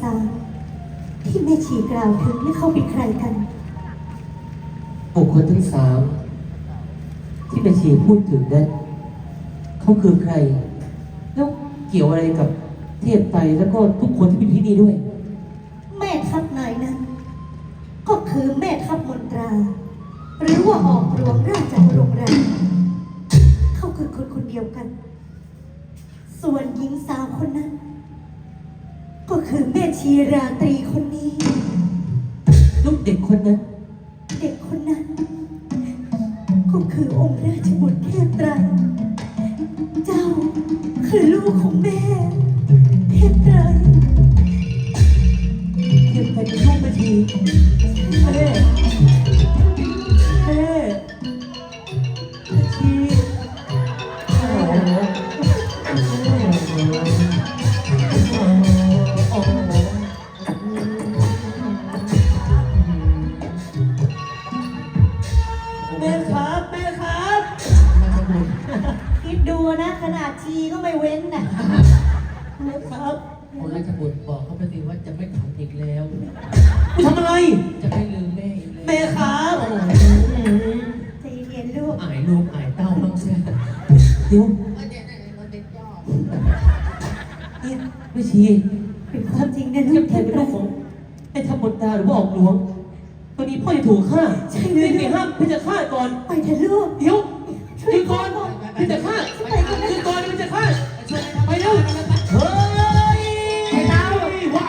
สามที่แม่ชีกล่าวถึงนี่เขาเป็นใครกันบุคคลทั้งสามที่แม่ชีพูดถึงนั้นเขาคือใครแล้วเกี่ยวอะไรกับเทพไตรแล้วก็ทุกคนที่อยู่ที่นี่ด้วยแม่ทัพนายนั้นก็คือแม่ทัพมนตรา หรือว่าออกรวมราชโรงแรมเขาคือคนคนเดียวกัน ส่วนหญิงสาวคนนั้น ก็คือแม่ชีราตรีคนนี้ลูกเด็กคนนั้นเด็กคนนั้น ก็คือองค์ราชบุตรเทพไตรเจ้าคือลูกของแม่เทพไตรเทพไตรเป็นลูกแม่ชีแม่แม่ชีโอ้โหแม่ครับแม่ครับคิดดูนะขนาดชีก็ไม่เว้นน่ะแม่ครับคนราชบุตรบอกเขาไปสิว่าจะไม่ทำอีกแล้วทำอะไรจะไม่ลืมแม่อีกแล้วแม่ครับใจเย็นลูกอายลูกอายเต้าบ้างเสียเดี๋ยวเราเด็กยอดนี่ไม่ชีเป็นความจริงนะลูเทียกบแทนเป็นลูกของไอ้ทัพบนตาหรือว่าออกหลวงตอนนี้พ่อจะถูกฆ่าใช่เลยไม่ห้ามพี่จะฆ่าก่อนไปเถอะลูกเดี๋ยวหยุดก่อนพี่จะฆ่าหยุดก่อนพี่จะฆ่าไปเร็วเฮ้ยไอ้ดาวว้า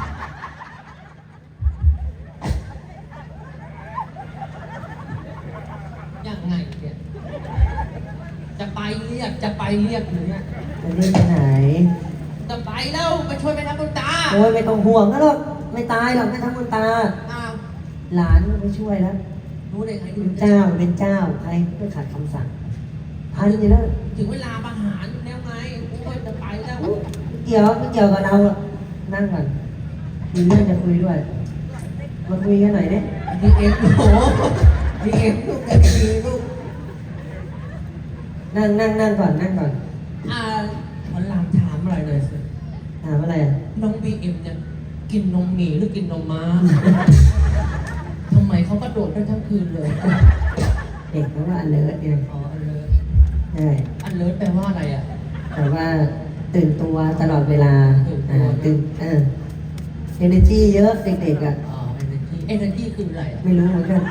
ยังไงเนี่ยจะไปเรียกอยู่เนี่ยจะเรียกไปไหนจะไปแล้วไปช่วยแม่น้ำบุญตาโอ้ยไม่ต้องห่วงนะหรอกไม่ตายหรอกไม่ทำบุญตาอ้าวหลานไม่ช่วยแล้วรู้ได้ไงเป็นเจ้าเป็นเจ้าใครไม่ขัดคำสั่งทันอยู่แล้วถึงเวลาประหารแล้วไงโอ้ยจะไปแล้วเกี่ยวไม่เกี่ยวกับเราหรอกนั่งก่อนมีเรื่องจะคุยด้วยมาคุยกันหน่อยเนี่ยดีเอ็มโอ้โหดีเอ็มลูกดีลูกนั่งก่อนนั่งก่อนวันหลังถามอะไรเลยสิถามอะไรอ่ะน้องบีเอ็มเนี่ยกินนมหมีหรือกินนมม้าทำไมเขากระโดดได้ทั้งคืนเลยเด็กเขาว่าอันเลิศเนี่ยอ๋ออันเลิศใช่อันเลิศแปลว่าอะไรอ่ะแต่ว่าตื่นตัวตลอดเวลาตื่นตัวตื่นenergy เยอะเด็กๆอ่ะอ๋อenergy คืออะไรอ่ะไม่รู้เหมือนกัน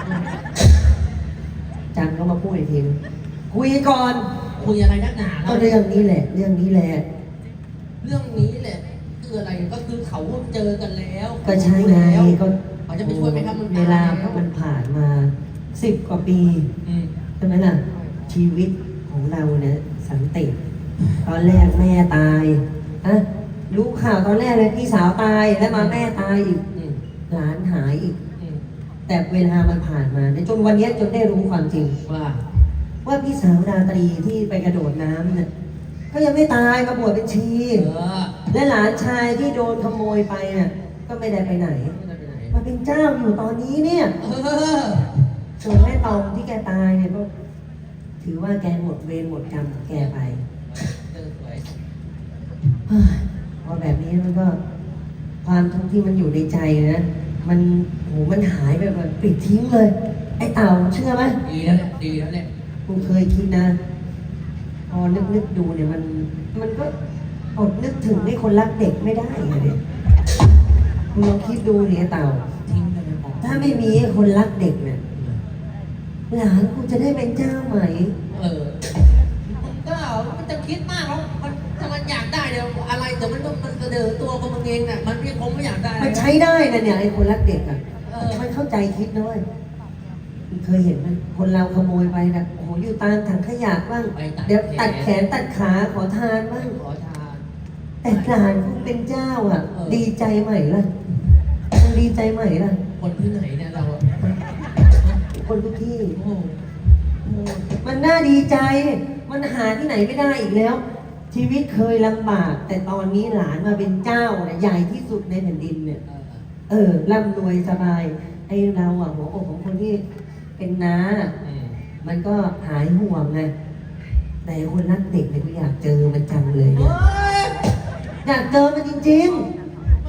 จังก็มาพูดอีกทีนึงคุยก่อนคุยอะไรนักหนาก็เรื่องนี้แหละ เรื่องนี้แหละเรื่องนี้แหละคืออะไรก็คือเขาเจอกันแล้วก็ใช่ไงก็เขาจะไปช่วยไหมครับมันเวลามันผ่านมา10 กว่าปีอืมใช่ไหมล่ะ ชีวิตของเราเนี่ยสันติตอนแรกแม่ตายอะรู้ข่าวตอนแรกเลยพี่สาวตายแล้วมาแม่ตายอีกอืมหลานหายอีกอืมแต่เวลามันผ่านมาเนี่ยจนวันเนี้ยจนได้รู้ความจริงว่าพี่สาวดาตรีที่ไปกระโดดน้ำเนี่ยก็ยังไม่ตายมาบวชเป็นชี และหลานชายที่โดนขโมยไปเนี่ยก็ไม่ได้ไปไหนไม่ได้ไปไหนมาเป็นเจ้าอยู่ตอนนี้เนี่ย ส่วนแม่ตองที่แกตายเนี่ยก็ถือว่าแกหมดเวรหมดกรรมของแกไปเจอสวยเฮ้ยพอแบบนี้มันก็ความทุกข์ที่มันอยู่ในใจนะมันมันหายไปแบบปิดทิ้งเลย ไอ้เต่าเชื่อไหมดีแล้วแหละดีแล้วแหละกูเคยคิดนะ พอนึกดูเนี่ยมันก็อดนึกถึงให้คนรักเด็กไม่ได้เลยเนี่ยคุณลองคิดดูเนี่ยเต่าทิ้งไปเลยบอกถ้าไม่มีคนรักเด็กเนี่ยหลานกูจะได้เป็นเจ้าไหมมันก็มันจะคิดมากแล้วมันถ้ามันอยากได้เดี๋ยวอะไรเดี๋ยวมันต้องมันเสนอตัวของมันเองน่ะมันไม่คงไม่อยากได้มันใช้ได้นะเนี่ยไอ้คนรักเด็กอ่ะเออมันเข้าใจคิดด้วยเคยเห็นไหมคนเราขโมยไปนะโอ้โหอยู่ตามถังขยะบ้างเดี๋ยวตัดแขนตัดขาขอทานบ้างขอทานแต่หลานกูเป็นเจ้าอ่ะเออดีใจไหมล่ะมันดีใจไหมล่ะคนที่ไหนเนี่ยเราอะคนทุกที่โอ้มันน่าดีใจ มันหาที่ไหนไม่ได้อีกแล้ว ชีวิตเคยลำบาก แต่ตอนนี้หลานมาเป็นเจ้าเนี่ยใหญ่ที่สุดในแผ่นดินเนี่ย ร่ำรวยสบาย ไอ้เราอ่ะหัวอกของคนที่เป็นน้า มันก็หายห่วงไง แต่คนรักเด็กเนี่ยก็อยากเจอมันจังเลยเนี่ย อยากเจอมันจริงมันต้องหล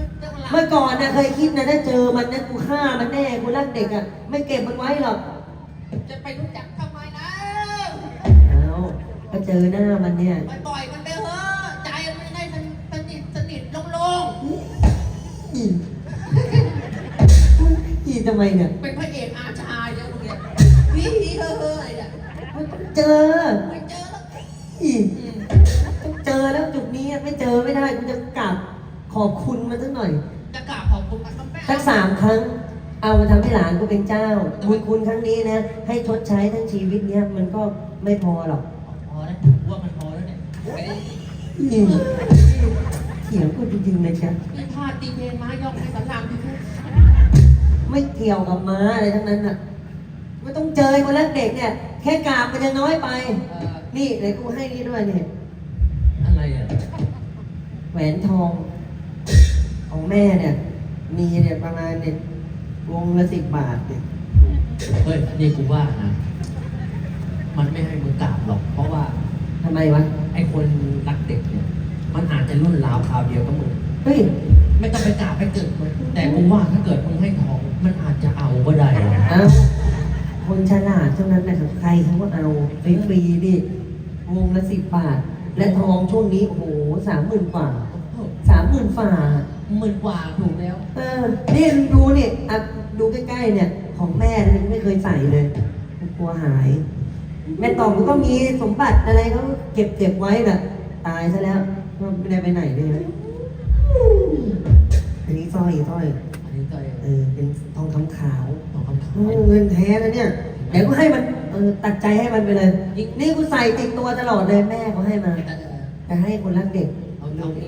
เมื่อก่อนนะเคยคิดนะถ้าเจอมันนะกูฆ่ามันแน่กูรักเด็กอ่ะไม่เก็บมันไว้หรอกจะไปรู้จักทำไมนะเอาก็เจอหน้ามันเนี่ยไปปล่อยมันไปเถอะใจมันได้สนิทโล่งอีทำไมเนี่ยๆเป็นพระเอกอาชาเยอะมึงเนี่ยพี่เฮ้ยเนี่ยเจอไม่เจอแล้วอีต้องเจอแล้วจุดนี้ไม่เจอไม่ได้กูจะกราบขอบคุณมันสักหน่อยจะกราบขอบคุณมันก็แม่สัก3 ครั้ง เอามาทำให้หลานกูเป็นเจ้าบุญคุณครั้งนี้นะ ให้ชดใช้ทั้งชีวิตเนี้ยมันก็ไม่พอหรอกพอแล้วว่ามันพอแล้วเนี่ยไม่ได้เถียงกูจริงๆเลยเชียวนี่พลาดตีเพลงม้ายอกให้สารามที่ทุกไม่เกี่ยวกับม้าอะไรทั้งนั้นอ่ะไม่ต้องเจอคนรักเด็กเนี่ย แค่กราบมันจะน้อยไป นี่เดี๋ยวกูให้นี่ด้วยเนี่ยอะไรอ่ะแหวนทอง ของแม่เนี่ย มีเนี่ยประมาณเนี่ยวงละ10 บาทเนี่ยเฮ้ยนี่กูว่านะมันไม่ให้มึงกราบหรอกเพราะว่าทำไมวะไอ้คนรักเด็กเนี่ยมันอาจจะรุ่นราวคราวเดียวกับมึงเฮ้ยไม่ต้องไปกราบไปเกิดมันแต่กูว่าถ้าเกิดมึงให้ทองมันอาจจะเอาก็ได้นะเอาคนฉลาดเท่านั้นแหละครับใครเขาก็เอาฟรีๆดิวงละ10 บาท และทองช่วงนี้โอ้โห30,000 กว่า30,000 ฝ่า 10,000 กว่าถูกแล้วนี่ดูเนี่ยอ่ะดูใกล้ๆเนี่ย ของแม่เนี่ยไม่เคยใส่เลยกลัวหาย แม่ตองก็มีสมบัติอะไรเขาเก็บไว้น่ะ ตายซะแล้วไม่ได้ไปไหนเลยนะอันนี้สร้อยอันนี้ก็เป็นทองคำขาวของคำขายเงินแท้แล้วเนี่ย เดี๋ยวกูให้มันตัดใจให้มันไปเลย นี่กูใส่ติดตัวตลอดเลยแม่เขาให้มาจะให้คนรักเด็กเอาตรงนี้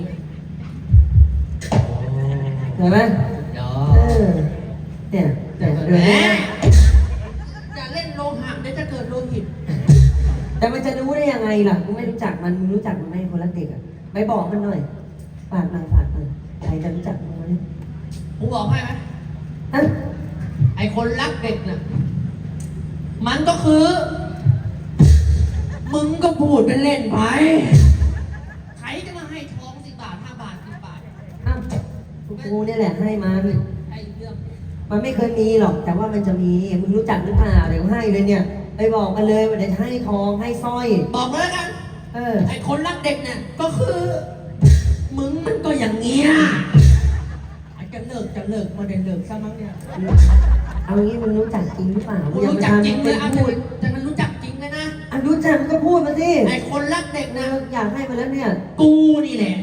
เห็นไหมเดี๋ยวเนี่ยเดี๋ยวแหมนี้อย่าเล่นโลหะเดี๋ยวจะเกิดโลหิตแต่มันจะรู้ได้ยังไงล่ะกูไม่รู้จักมันมึงรู้จักมันไหมคนรักเด็กอ่ะไปบอกมันหน่อยฝากมาใครจะรู้จักมันไหมกูบอกให้ไหมฮะไอ้คนรักเด็กน่ะมันก็คือ มึงก็พูดเป็นเล่นไปใครจะมาให้ทอง10 บาท5 บาท10 บาทอ้าวกูเนี่ยแหละให้มาพี่ไอ้เรื่องมันไม่เคยมีหรอก แต่ว่ามันจะมีมึงรู้จักหรือเปล่าเดี๋ยวให้เลยเนี่ยไปบอกมันเลยว่าเดี๋ยวจะให้ทองให้สร้อยบอกเลยกันอไอ้คนรักเด็กเนี่ยก็คือ มึงมันก็อย่างเงี้ยไอ้จะเลิกมาได้เลิกซะมั้งเนี่ยเอางี้มึงรู้จักจริงหรือเปล่ากูรู้จักจริงเลยอ่ะอ่ะแต่มันรู้จักจริงเลยนะรู้จักมึงก็พูดมาสิไอ้คนรักเด็กนะอยากให้มาแล้วเนี่ยกูนี่แหละ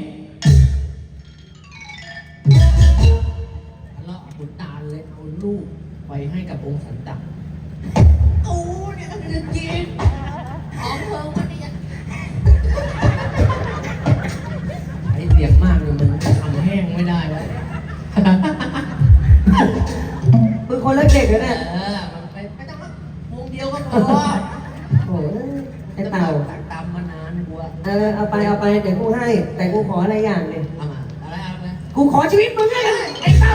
ทะเลาะกับขุนตาลเลยเอาลูกไปให้กับองค์สันตักกูเนี่ยก็คือจริงของเพิ่งวันนี้ไอ้เสียงมากเลยมันทำแห้งไม่ได้แล้วมึงคนรักเด็กเหรอเนี่ยมันไม่ต้องมาวงเดียวก็พอโอ้ยไอ้เต่าตักตามมานานกูอะเอาไปเดี๋ยวกูให้ แต่กูขออะไรอย่างหนึ่งเอามาอะไรเอาเลยกูขอชีวิตมึงเลยไอ้เต่า